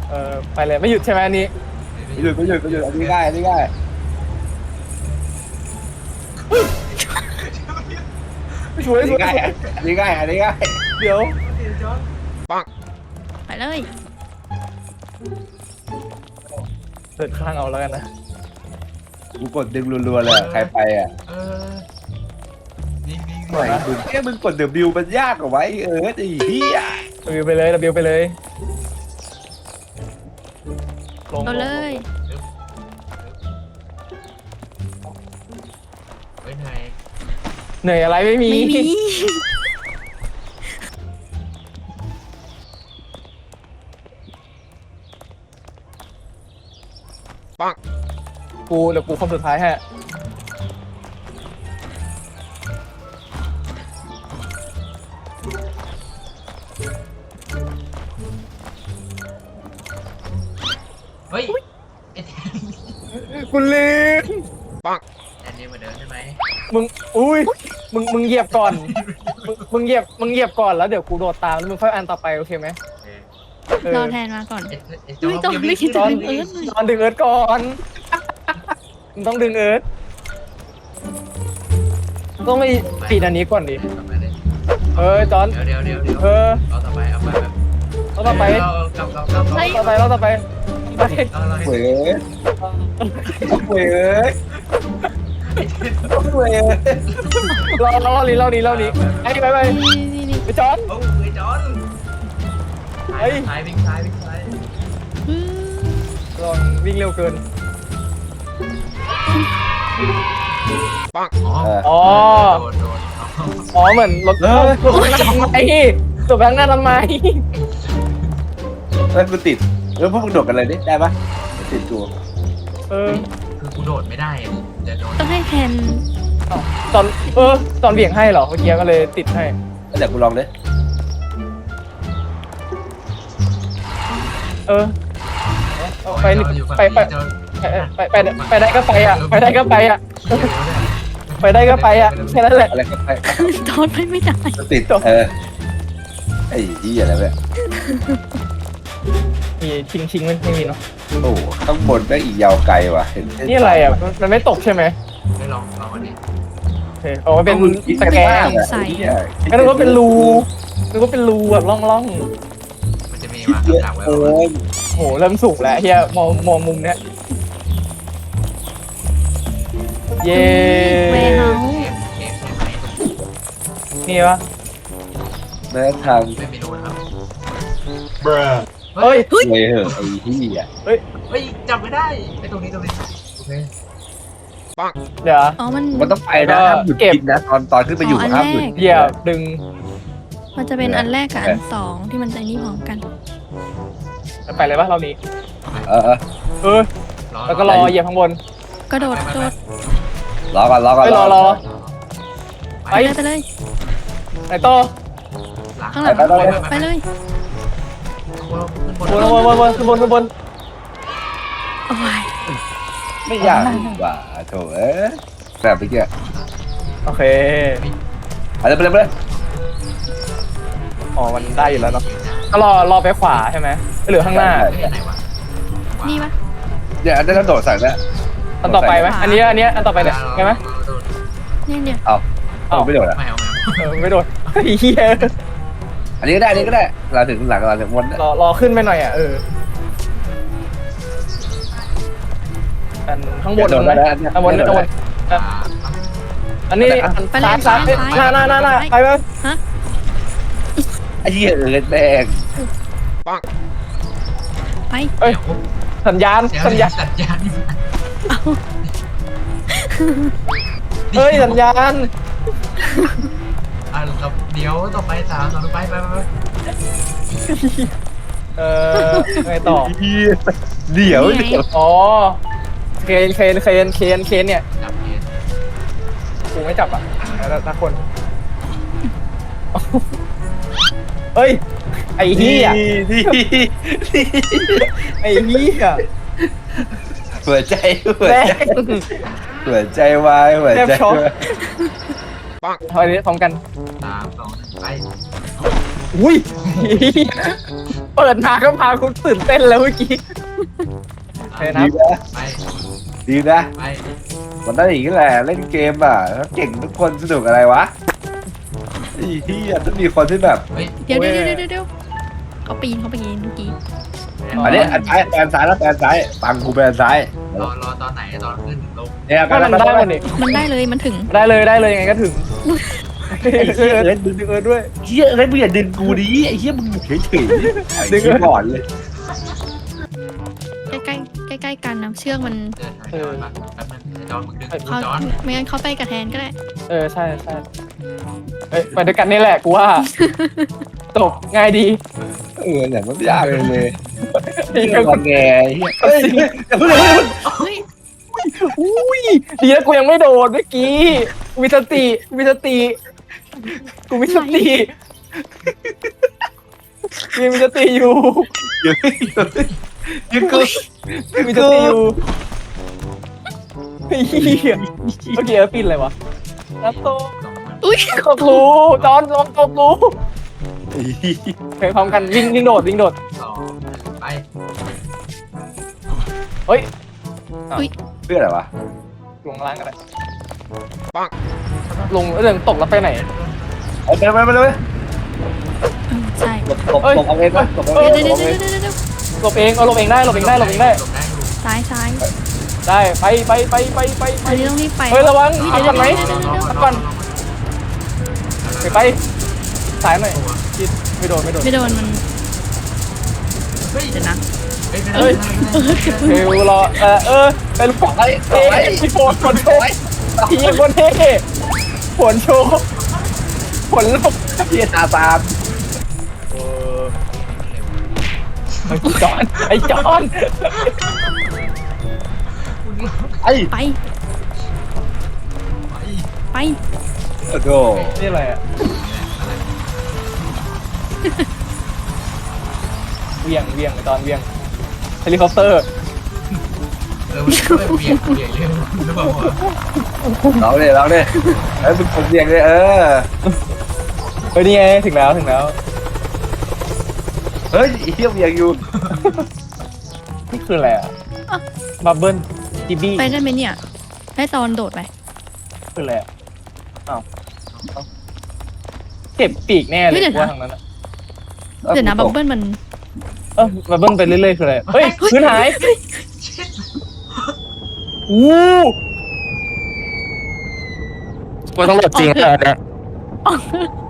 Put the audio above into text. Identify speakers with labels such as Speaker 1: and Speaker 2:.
Speaker 1: ไปเลยไม่หยุดใช่ไหมอันนี้
Speaker 2: ไม่หยุดอันนี้ง่าย
Speaker 1: ช่วย
Speaker 2: อันนี้ง่ายอันนี้ง่าย
Speaker 1: เดี๋ยว
Speaker 3: ไปเลย
Speaker 1: เดินข้างเอาแล้วกันนะ
Speaker 2: กูกดดึงรัวๆเลยใครไปอ่ะ
Speaker 4: นิ่ง
Speaker 2: ไหนมึงกดเดบิวมันยากกว่าไว้ไอ้เหี้ย
Speaker 1: วิวไปเลยวิวไปเลยลง
Speaker 3: เอาเลย
Speaker 4: เฮ้ยนาย
Speaker 1: เหนื่อยอะไรไม่มี
Speaker 3: ไม่มี
Speaker 1: เดี๋ยวกูคนสุดท้ายฮะ
Speaker 4: เฮ้ย
Speaker 1: กูลืม
Speaker 4: อันนี้เหมือนเดิมใช่ไหม
Speaker 1: มึงอุ้ยมึงเหยียบก่อนมึงเหยียบก่อนแล้วเดี๋ยวกูโดดตามแล้วมึงค่อยอันต่อไปโอเคไหม
Speaker 3: รอแทนมาก่อน
Speaker 4: จอ
Speaker 3: ไม่ต้องไม่คิด
Speaker 1: ต
Speaker 3: จะ
Speaker 1: อน
Speaker 3: ดึงเอิร์ธเลย
Speaker 1: ตอนดึงเอิร์ธก่อนมึงต้องดึงเอิร์ธต้องไปปิดอันนี้ก่อนดิจอน
Speaker 4: เดี๋ยวเอาต่อไปเอาไปแบบ
Speaker 1: แล้วต่อไป
Speaker 4: กำ
Speaker 1: แล้วต่อไปไป
Speaker 2: เว้ยเว้ยเว้ย
Speaker 1: รอนี้ไอ้ไป
Speaker 3: นี่
Speaker 1: ไปจอน
Speaker 4: โอ้ยจอนซ้ายวิ่งซ้าย
Speaker 1: ลองวิ่งเร็วเกิน
Speaker 4: อ๋อโดน
Speaker 1: อ๋อเหมือนรถทำไมตัวแบงค์หน้าทำไม
Speaker 2: แล้วกูติดแล้วพวกมึงโดดกันเลยดิได้ปะติดตัว
Speaker 4: คือกูโดดไม่ได้จะโดน
Speaker 3: ต้องให้แทน
Speaker 1: ตอนเบี่ยงให้เหรอเมื่อกี้ก็เลยติดให้
Speaker 2: เดี๋ยวกูลองดิ
Speaker 1: ไปได้ก็ไปอ่ะไปได้ก็ไปอ่ะแค่นั้นแหละ
Speaker 2: อะไรก็ไป
Speaker 3: ตอนไม่ได้
Speaker 2: ติดไอ้เหี้ยอะไรเนี่ย
Speaker 1: มีชิงไม่มีเนาะ
Speaker 2: โอ้ข้างบนแม่งอีกยาวไกลว่ะเห็น
Speaker 1: นี่อะไรอ่ะมันไม่ตกใช่ไหม
Speaker 4: ไม่ลองอันนี้
Speaker 1: โอเคอ๋อเป็นตะแกรงก็นึกว่าเป็นรูแบบล่อง
Speaker 4: มันจะมีมาหลังไว้
Speaker 1: โหเริ่มสูงแล้วเฮียมองมุมเนี้ยเย้
Speaker 3: เวเฮา
Speaker 4: เกมใช่ไหม
Speaker 1: นี่ปะ
Speaker 2: แม้ทาง
Speaker 4: ไม่มีรูนะครับ
Speaker 1: เฮ้ย
Speaker 2: เลยเหอะไอ้เหี้ย
Speaker 4: เฮ้ยจับไม่ได้ไอ้ตรงนี้โอเค
Speaker 1: เดี๋ยว
Speaker 3: อ๋อมัน
Speaker 2: มันต้องไปนะห้ามหยุดกินนะตอนขึ้นไปอยู่ห้ามหยุด
Speaker 1: เหยียบดึง
Speaker 3: มันจะเป็นอันแรกกับอันสองที่มันจะนี่พร้อมกัน
Speaker 1: ไปเลยปะเรานี้
Speaker 2: อ
Speaker 1: แล้วก็รอเหยียบข้างบน
Speaker 3: กระโดด
Speaker 2: รอก่อน
Speaker 1: ไปรอ
Speaker 3: ไปเลย
Speaker 1: ไหนต่อ
Speaker 3: ข้างหลังไปเลย
Speaker 1: บน
Speaker 3: โอ้ย
Speaker 2: ไม่อยากว่าโถแบบเมื่อกี้
Speaker 1: โอเค
Speaker 2: อะไรไปเลย
Speaker 1: อ๋อมันได้อยู่แล้วเนาะก็รอไปขวาใช่ไหมเหลือข้างหน้า
Speaker 3: นี่ปะ
Speaker 2: เนี่ยได้แล้วโดดใส่แล้ว
Speaker 1: อันต่อไปไหมอันนี้อันต่อไปเนี่ยใช่ไหม
Speaker 3: เนี่ย
Speaker 2: เอาไม่โดดอ่ะ
Speaker 1: ไม่โดนเฮีย
Speaker 2: อันนี้ก็ได้เราถึงหลังเราถึงวน
Speaker 1: รอขึ้นไปหน่อยอ่ะอันข้างบนไหมข้างบนอันนี้ซ้ายหน้าไปไหม
Speaker 2: ไอ้เหี้ยแดง
Speaker 3: ไป
Speaker 1: เอ้ยสัญญาณ
Speaker 4: สัญญาณ
Speaker 1: เฮ้ยสัญญาณ
Speaker 4: เดี๋ยวต่อไป3 ต่อไป
Speaker 1: ไงต่อ
Speaker 2: เดี๋ยว
Speaker 1: อ๋อเคนเนี่ย
Speaker 4: จับเกม
Speaker 1: กูไม่จับอ่ะนักคนเฮ้ยไอ้เหี้ยไอ้เหี้ย
Speaker 2: หัวใจวายหัวใจ
Speaker 1: ทำไมนี้พร้อมกัน
Speaker 4: 3 2 1ไป
Speaker 1: อุ้ยเปิดมาก็พาคุณตื่นเต้นแล้วเมื่อกี้เฮ้ยนะ
Speaker 2: ดีนะ
Speaker 4: ไป
Speaker 2: ดีนะ
Speaker 4: ไป
Speaker 2: มันได้อย่างนี้แหละเล่นเกมอ่ะถ้าเก่งทุกคนสนุกอะไรวะไอ้เหี้ยต้องมีคนที่แบบ
Speaker 4: เฮ้ย
Speaker 3: เดี๋ยวเขาปีนเมื่อกี้
Speaker 2: อันนี้อันซ้ายแปนซ้ายแล้วแปนซ้ายปังกูแปนซ้าย
Speaker 4: รอตอนไหนตอนขึ้นถึงลง
Speaker 2: เนี่ยไป
Speaker 1: ก็
Speaker 2: แล้ว
Speaker 1: มัน
Speaker 2: ไป
Speaker 1: ได้
Speaker 2: แล้ว
Speaker 1: มันนี่
Speaker 3: มันได้เลยมันถึง
Speaker 1: ได้เลยยังไงก็ถึง
Speaker 2: ไอ้เหี้ยเอ้ย
Speaker 1: ดึงด้วย
Speaker 2: เหี้ยเอ้ยมึงอย่าดึงกูดิไอ้เหี้ยมึงอยู่เฉยๆไอ้
Speaker 1: ดึง
Speaker 2: เหี้ยก่อนเลย
Speaker 3: ใกล้กันนะเชือกมัน
Speaker 4: เดินทางแป๊บนึงจอนมึงดึง
Speaker 3: เขา
Speaker 4: จอน
Speaker 3: ไม่งั้นเขาไปกับแทนก็ได้
Speaker 1: ใช่เฮ้ยไปด้วยกันนี่แหละกูว่าจบง่ายดี
Speaker 2: เนี่ยมันไม่ยากเลยเลย
Speaker 1: ไอ้
Speaker 2: เหี้ย
Speaker 1: เหี้ย
Speaker 2: งอนแงไอ้เหี้ยเฮ้ยอย่าเพิ่งอย่าเพิ่ง
Speaker 3: เฮ้ย
Speaker 1: อุ้ยดีนะกูยังไม่โดนเมื่อกี้กูมีสติกูมีสติกูมีสติกูยังมีสติอยู่
Speaker 2: อย่าเพิ่งอย่าเพิ่ง
Speaker 1: มีสติอยู่ไอ้เหี้ยเมื่อกี้ปิดอะไรวะน้ำโต
Speaker 3: อุ้ย
Speaker 1: ตกรูจอนลองตกรู
Speaker 2: ไอ้เหี้ย
Speaker 1: เพลงพร้อมกันวิ่งโดด
Speaker 4: สองไป
Speaker 1: เฮ้ย
Speaker 2: เพื่ออะไรวะ
Speaker 1: ลงล่างกันเลยปังลงเรื่องตกแล้วไปไหน
Speaker 2: เอาไปเลย
Speaker 3: ใช่
Speaker 2: ตบเอาเองวะตบเอาเอง
Speaker 3: เดี๋ยว
Speaker 2: ตบเอาเอง
Speaker 1: หลบเองเอาหลบเองได้หลบเองได้
Speaker 4: หลบได้อยู่
Speaker 3: ซ้าย
Speaker 1: ได้ไป
Speaker 3: อันนี้ต้องรีบไป
Speaker 1: เฮ้ยระวัง
Speaker 3: เดี๋
Speaker 1: พัก
Speaker 3: ยว
Speaker 1: ก่อนไหม พักก่อน ไปสายหน่อยคิดไม่โดน
Speaker 3: ไม่โดนมัน
Speaker 4: เฮ้ย
Speaker 3: เดี๋ยวนะ
Speaker 1: เฮ้ยเฮลรอเป็นฝอยที่โผล่ผลโชว์ทีมคนเท่ผลโชว์ผลลบ
Speaker 2: เหี้ยตาตาม
Speaker 1: ไอ้จอนไอ้จอน
Speaker 2: ไอ้
Speaker 3: ไปไป
Speaker 2: โอ้โห
Speaker 1: นี่อะไรอ่ะเวียงตอนเวียงเฮลิคอปเตอร์
Speaker 4: มันเบี่ยงเรื่องหรือเปล่า
Speaker 2: เราเนี่ยไอ้มึงผมเรียงเลย
Speaker 1: เฮ้ยนี่ไงถึงแล้ว
Speaker 2: เฮ้ยเที่ยวเรียงอยู่
Speaker 1: นี่คืออะไรอ่ะบับเบิ้ลจีบี้
Speaker 3: ไปได้ไหมเนี่ยได้ตอนโดดไป
Speaker 1: คืออะไรอ่ะอ้าวเก็บปีกแน่เลยว่าทางนั้นอ่ะ
Speaker 3: เดี๋ยวนะบับเบิ้ลมัน
Speaker 1: บับเบิ้ลไปเรื่อยๆคืออะไรเฮ้ยพื้นหายอู้กูต้องโหลดจริงอ่ะเนี่ย